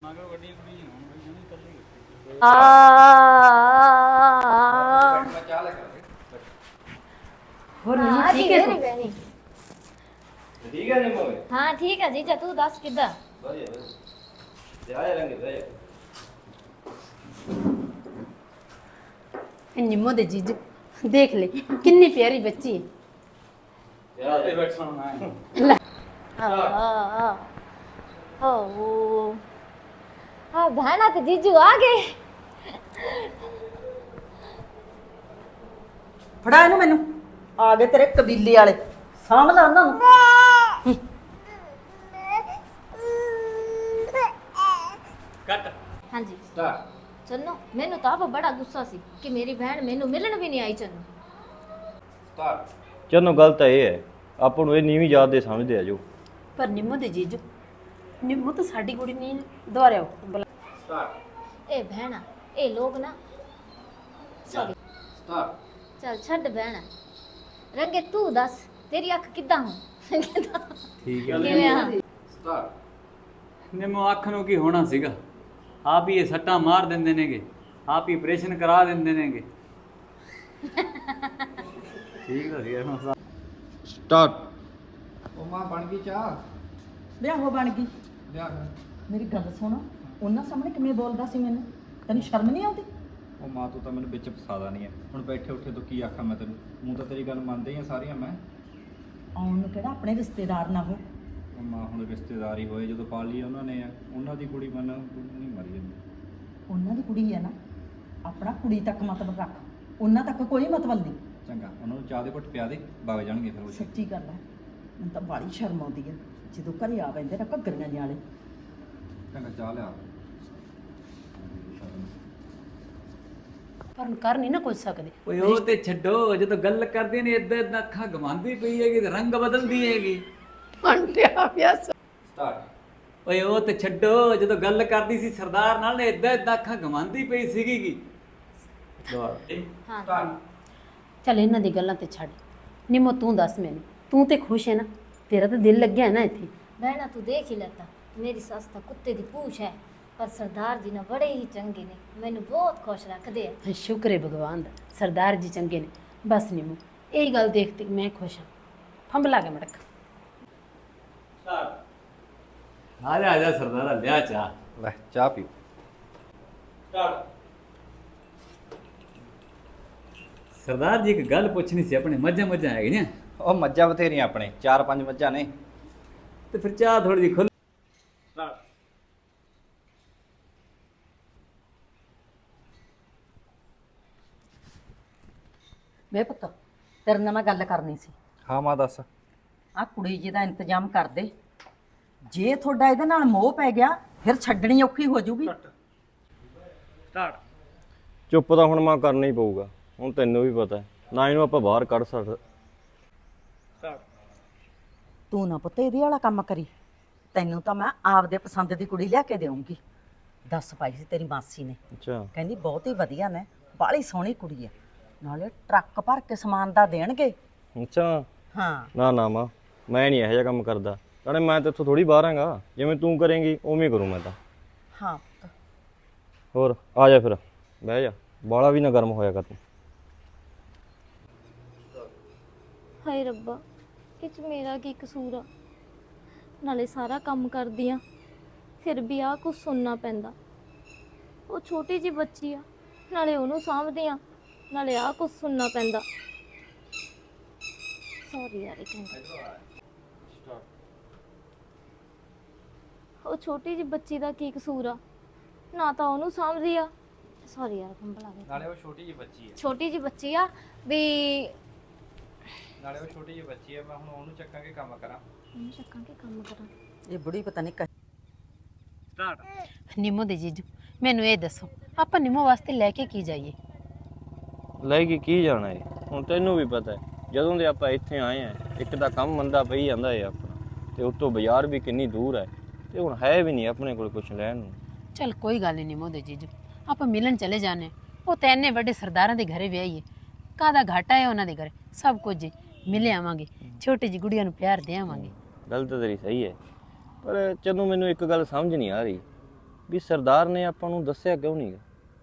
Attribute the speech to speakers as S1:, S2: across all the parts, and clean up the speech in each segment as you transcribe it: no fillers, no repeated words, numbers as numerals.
S1: ठीक है निम्मो।
S2: हाँ ठीक है जीजा, तू दस किदा
S3: निम्मो दे जीजू देख ले कितनी प्यारी बच्ची है।
S2: हाँ बहना तो जीजू आ गए।
S4: ਫੜਾ ਇਹਨੂੰ ਮੈਨੂੰ ਆ ਗਏ ਤੇਰੇ ਕਬੀਲੇ ਵਾਲੇ ਸਾਂਭ ਲਾ ਉਹਨਾਂ ਨੂੰ।
S2: हाँ जी चन्नो, मैनू तो आप बड़ा गुस्सा सी कि मेरी बहन मैनू मिलन भी नहीं आई। चन्नो
S1: चलो गल तो ये है ਆਪਾਂ ਨੂੰ ਇਹ ਨੀਵੀਂ ਯਾਦ ਦੇ ਸਮਝਦੇ ਆ ਜੋ।
S3: पर निम्मो दे जीजू निम्मो तो साडी कुड़ी नहीं दोहराओ
S2: ए बहना ए लोग ना सॉरी चल छड़ बहना रंगे तू दस तेरी अख किदा हूं
S1: ठीक
S2: है
S5: ਨਿੰਮੋ ਅੱਖ ਨੂੰ ਕੀ ਹੋਣਾ ਸੀਗਾ, ਆਪ ਹੀ ਇਹ ਸੱਟਾਂ ਮਾਰ ਦਿੰਦੇ ਨੇਗੇ, ਆਪ ਹੀ ਆਪਰੇਸ਼ਨ ਕਰਾ ਦਿੰਦੇ ਨੇਗੇ। ਠੀਕ ਤਾਂ ਸੀਗਾ ਨਾ।
S1: स्टार्ट।
S6: ਉਹ ਮਾਂ ਬਣ ਗਈ ਚਾਹ
S4: ਵਿਆਹ ਹੋ ਬਣ ਗਈ।
S6: ਲਿਆ
S4: ਮੇਰੀ ਗੱਲ ਸੁਣ, ਉਹਨਾਂ ਸਾਹਮਣੇ ਕਿਵੇਂ ਬੋਲਦਾ ਸੀ ਮੈਨੂੰ, ਤੈਨੂੰ ਸ਼ਰਮ ਨਹੀਂ ਆਉਂਦੀ?
S6: ਉਹ ਮਾਂ ਤੂੰ ਤਾਂ ਮੈਨੂੰ ਵਿੱਚ ਫਸਾਦਾ ਨਹੀਂ ਹੈ। ਹੁਣ ਬੈਠੇ ਉੱਠੇ ਤੋਂ ਕੀ ਆਖਾਂ ਮੈਂ ਤੈਨੂੰ, ਮੂੰਹ ਤਾਂ ਤੇਰੀ ਗੱਲ ਮੰਨਦੇ ਹੀ ਆ ਸਾਰੀਆਂ ਮੈਂ।
S4: ਆਉਣ ਨੂੰ ਕਿਹੜਾ ਆਪਣੇ ਰਿਸ਼ਤੇਦਾਰ ਨਾ ਹੋ।
S6: ਉਹ ਮਾਂ ਹੁਣ ਰਿਸ਼ਤੇਦਾਰ ਹੀ ਹੋਏ, ਜਦੋਂ ਪਾਲ ਲਈ ਉਹਨਾਂ ਨੇ ਆ, ਉਹਨਾਂ ਦੀ ਕੁੜੀ ਮਨ ਨਹੀਂ ਮਰੀ ਜਾਂਦੀ।
S4: ਉਹਨਾਂ ਦੀ ਕੁੜੀ ਹੈ ਨਾ, ਆਪਣਾ ਕੁੜੀ ਤੱਕ ਮਤਲਬ ਰੱਖ, ਉਹਨਾਂ ਤੱਕ ਕੋਈ ਮਤਲਬ ਨਹੀਂ।
S6: ਚੰਗਾ ਉਹਨਾਂ ਨੂੰ ਚਾਹ ਦੇ ਘੁੱਟ ਪਿਆ ਦੇ, ਵਗ ਜਾਣਗੇ ਫਿਰ ਉਹ।
S4: ਸੱਚੀ ਗੱਲ ਹੈ, ਮੈਨੂੰ ਤਾਂ ਬੜੀ ਸ਼ਰਮ ਆਉਂਦੀ ਹੈ ਜਦੋਂ ਘਰੇ ਆ ਪੈਂਦੇ ਨਾ ਘੱਗਰੀਆਂ ਜਿਹੇ ਵਾਲੇ।
S6: ਚੰਗਾ ਚਾਹ ਲਿਆ।
S3: पर कर नहीं ना कुछ सकते।
S5: ਓਏ ਉਹ ਤੇ ਛੱਡੋ, ਜਦੋਂ ਗੱਲ ਕਰਦੇ ਨੇ ਇਦਾਂ ਇਦਾਂ ਅੱਖਾਂ ਘਮਾਉਂਦੀ ਪਈ ਹੈਗੀ ਤੇ ਰੰਗ ਬਦਲਦੀ ਹੈਗੀ।
S6: ਸਟਾਰਟ।
S5: ਓਏ ਉਹ ਤੇ ਛੱਡੋ, ਜਦੋਂ ਗੱਲ ਕਰਦੀ ਸੀ ਸਰਦਾਰ ਨਾਲ ਨੇ ਇਦਾਂ ਇਦਾਂ ਅੱਖਾਂ ਘਮਾਉਂਦੀ ਪਈ ਸੀਗੀ ਕੀ।
S2: हाँ
S3: चल इन्हां दी गल्लां ते छड़। निम्मो तू दस मैनू, तू ते खुश है ना? तेरा तो दिल लग गया है ना इत्थे?
S2: बहना तू देख ही लेता, मेरी सस तो कुत्ते दी पूछ है, पर सरदार जी ने बड़े ही चंगे ने, मैनू बहुत खुश रखते हैं।
S3: शुक्र है भगवान दा, सरदार जी चंगे ने। बस निम्मो यही गल देखते मैं खुश हाँ। फंबला के मड़क
S5: ਆ ਜਾ ਸਰਦਾਰਾ ਲਿਆ ਚਾਹ।
S6: ਲੈ ਚਾਹ ਪੀਓ।
S5: ਸਰਦਾਰ ਜੀ ਇੱਕ ਗੱਲ ਪੁੱਛਣੀ ਸੀ, ਆਪਣੇ ਮੱਝਾਂ ਹੈਗੀਆਂ?
S6: ਉਹ ਮੱਝਾਂ ਬਥੇਰੀਆਂ ਆਪਣੇ, 4-5 ਮੱਝਾਂ ਨੇ।
S5: ਤੇ ਫਿਰ ਚਾਹ ਥੋੜੀ ਜਿਹੀ ਖੁੱਲ।
S4: ਵੇ ਪੁੱਤ, ਤੇਰੇ ਨਾਲ ਮੈਂ ਗੱਲ ਕਰਨੀ ਸੀ।
S6: ਹਾਂ ਮਾਂ ਦੱਸ।
S4: ਆ ਕੁੜੀ ਜੀ ਦਾ ਇੰਤਜ਼ਾਮ ਕਰ ਦੇ, ਜੇ ਤੁਹਾਡਾ ਇਹਦੇ ਨਾਲ ਮੋਹ ਪੈ ਗਿਆ ਫਿਰ ਛੱਡਣੀ ਔਖੀ ਹੋ ਜਾਊਗੀ।
S1: ਚੁੱਪ ਤਾਂ ਹੁਣ ਮਾਂ ਕਰਨਾ ਹੀ ਪਊਗਾ, ਹੁਣ ਤੈਨੂੰ ਵੀ ਪਤਾ ਨਾ ਇਹਨੂੰ ਆਪਾਂ ਬਾਹਰ ਕੱਢ ਸਕਦੇ।
S4: ਤੂੰ ਨਾ ਪੁੱਤ ਇਹਦੇ ਵਾਲਾ ਕੰਮ ਕਰੀ, ਤੈਨੂੰ ਤਾਂ ਮੈਂ ਆਪਦੇ ਪਸੰਦ ਦੀ ਕੁੜੀ ਲਿਆ ਕੇ ਦੇਵਾਂਗੀ। ਦੱਸ ਪਾਈ ਸੀ ਤੇਰੀ ਮਾਸੀ ਨੇ,
S1: ਅੱਛਾ
S4: ਕਹਿੰਦੀ ਬਹੁਤ ਹੀ ਵਧੀਆ ਨੇ, ਬਾਹਲੀ ਸੋਹਣੀ ਕੁੜੀ ਹੈ, ਨਾਲੇ ਟਰੱਕ ਭਰ ਕੇ ਸਮਾਨ ਦਾ ਦੇਣਗੇ।
S1: ਅੱਛਾ
S4: ਹਾਂ
S1: ਨਾ ਨਾ ਮਾਂ, ਮੈਂ ਨਹੀਂ ਇਹੋ ਜਿਹਾ ਕੰਮ ਕਰਦਾ। ਨਾਲੇ ਮੈਂ ਤਾਂ ਇੱਥੋਂ ਥੋੜੀ ਬਾਹਰ ਆਂਗਾ, ਜਿਵੇਂ ਤੂੰ ਕਰੇਂਗੀ ਉਵੇਂ ਕਰੂੰ ਮੈਂ ਤਾਂ।
S4: ਹਾਂ ਪੁੱਤ।
S1: ਹੋਰ ਆ ਜਾ ਫਿਰ ਬਹਿ ਜਾ, ਬਾਲਾ ਵੀ ਨਾ ਗਰਮ ਹੋਇਆ ਕਰ ਤੂੰ।
S2: ਹਾਏ ਰੱਬਾ, ਇਹ 'ਚ ਮੇਰਾ ਕੀ ਕਸੂਰ ਆ? ਨਾਲੇ ਸਾਰਾ ਕੰਮ ਕਰਦੀ ਆ, ਫਿਰ ਵੀ ਆ ਕੁਝ ਸੁਣਨਾ ਪੈਂਦਾ। ਉਹ ਛੋਟੀ ਜਿਹੀ ਬੱਚੀ ਆ, ਨਾਲੇ ਉਹਨੂੰ ਸਾਂਭਦੇ ਆ, ਨਾਲੇ ਆ ਕੁਝ ਸੁਣਨਾ ਪੈਂਦਾ। ਸੌਰੀ ਯਾਰ, ਇੱਕ ਮਿੰਟ। ਉਹ ਛੋਟੀ ਜਿਹੀ ਬੱਚੀ ਦਾ ਕੀ ਕਸੂਰ ਆ? ਨਾ ਤਾਂ ਉਹਨੂੰ ਸਾਂਭਦੀ ਆ। ਸੌਰੀ ਯਾਰ, ਕੰਬਲ ਆ ਗਿਆ।
S6: ਨਾਲੇ ਉਹ ਛੋਟੀ ਜਿਹੀ ਬੱਚੀ ਹੈ।
S2: ਛੋਟੀ ਜਿਹੀ ਬੱਚੀ ਆ ਵੀ,
S6: ਨਾਲੇ ਉਹ ਛੋਟੀ ਜਿਹੀ ਬੱਚੀ ਹੈ, ਮੈਂ ਹੁਣ ਉਹਨੂੰ ਚੱਕਾਂ ਕੇ ਕੰਮ ਕਰਾਂ।
S2: ਉਹਨੂੰ ਚੱਕਾਂ ਕੇ ਕੰਮ ਕਰਾਂ।
S4: ਇਹ ਬੁੜੀ ਪਤਾ ਨਹੀਂ
S3: निम्मो दे जीजू मैनू ये दसो आप निम्मो वास्ते लैके की जाइए?
S1: ਲੈ ਕੇ ਕੀ ਜਾਣਾ ਏ, ਹੁਣ ਤੈਨੂੰ ਵੀ ਪਤਾ ਹੈ ਜਦੋਂ ਦੇ ਆਪਾਂ ਇੱਥੇ ਆਏ ਆ, ਇੱਕ ਤਾਂ ਕੰਮ ਮੰਦਾ ਪਈ ਜਾਂਦਾ ਏ ਆਪਣਾ, ਤੇ ਉੱਤੋਂ ਬਾਜ਼ਾਰ ਵੀ ਕਿੰਨੀ ਦੂਰ ਹੈ, ਤੇ ਹੁਣ ਹੈ ਵੀ ਨਹੀਂ ਆਪਣੇ ਕੋਲ ਕੁਝ ਲੈਣ ਨੂੰ।
S3: चल कोई गल नहीं निम्मो दे जीजू, आप मिलन चले जाने। वो तो इन्ने बड़े सरदारां दे घरे विआही है, कादा घाटा है उन्हां दे घरे, सब कुछ मिले आवांगे, छोटी जी गुड़िया नूं प्यार दे आवांगे।
S1: ਗੱਲ ਤਾਂ ਤੇਰੀ ਸਹੀ ਹੈ, ਪਰ ਚੰਨੂ ਮੈਨੂੰ ਇੱਕ ਗੱਲ ਸਮਝ ਨਹੀਂ ਆ ਰਹੀ। ਵੀ ਸਰਦਾਰ ਨੇ ਆਪਾਂ ਨੂੰ ਦੱਸਿਆ ਕਿਉਂ ਨਹੀਂ ਗਾ?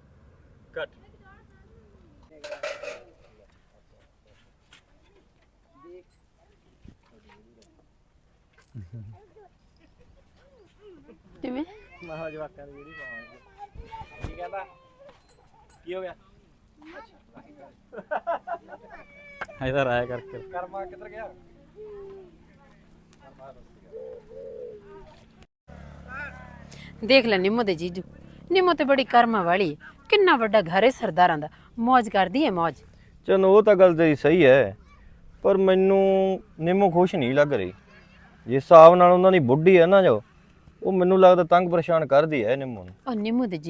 S3: ਕਿਵੇਂ
S5: ਇਧਰ ਆਇਆ ਕਰਕੇ
S3: ਦੇਖ ਲੈ ਨਿੰਮੋ ਦੇ ਜੀਜੂ, ਨਿੰਮੋ ਤੇ ਬੜੀ ਕਰਮਾਂ ਵਾਲੀ ਹੈ। ਕਿੰਨਾ ਵੱਡਾ ਘਰ ਹੈ ਸਰਦਾਰਾਂ ਦਾ, ਮौज ਕਰਦੀ ਹੈ ਮौज।
S1: ਚਲੋ ਉਹ ਤਾਂ ਗੱਲ ਤੇਰੀ ਸਹੀ ਹੈ, ਪਰ ਮੈਨੂੰ ਨਿੰਮੋ ਖੁਸ਼ ਨਹੀਂ ਲੱਗ ਰਹੀ। ਜਿਸ ਹਿਸਾਬ ਨਾਲ ਉਹਨਾਂ ਦੀ ਬੁੱਢੀ ਹੈ ਨਾ, ਜੋ ਉਹ ਮੈਨੂੰ ਲੱਗਦਾ ਤੰਗ ਪਰੇਸ਼ਾਨ ਕਰਦੀ ਹੈ ਨਿੰਮੋ ਨੂੰ।
S3: ਉਹ ਨਿੰਮੋ ਦੇ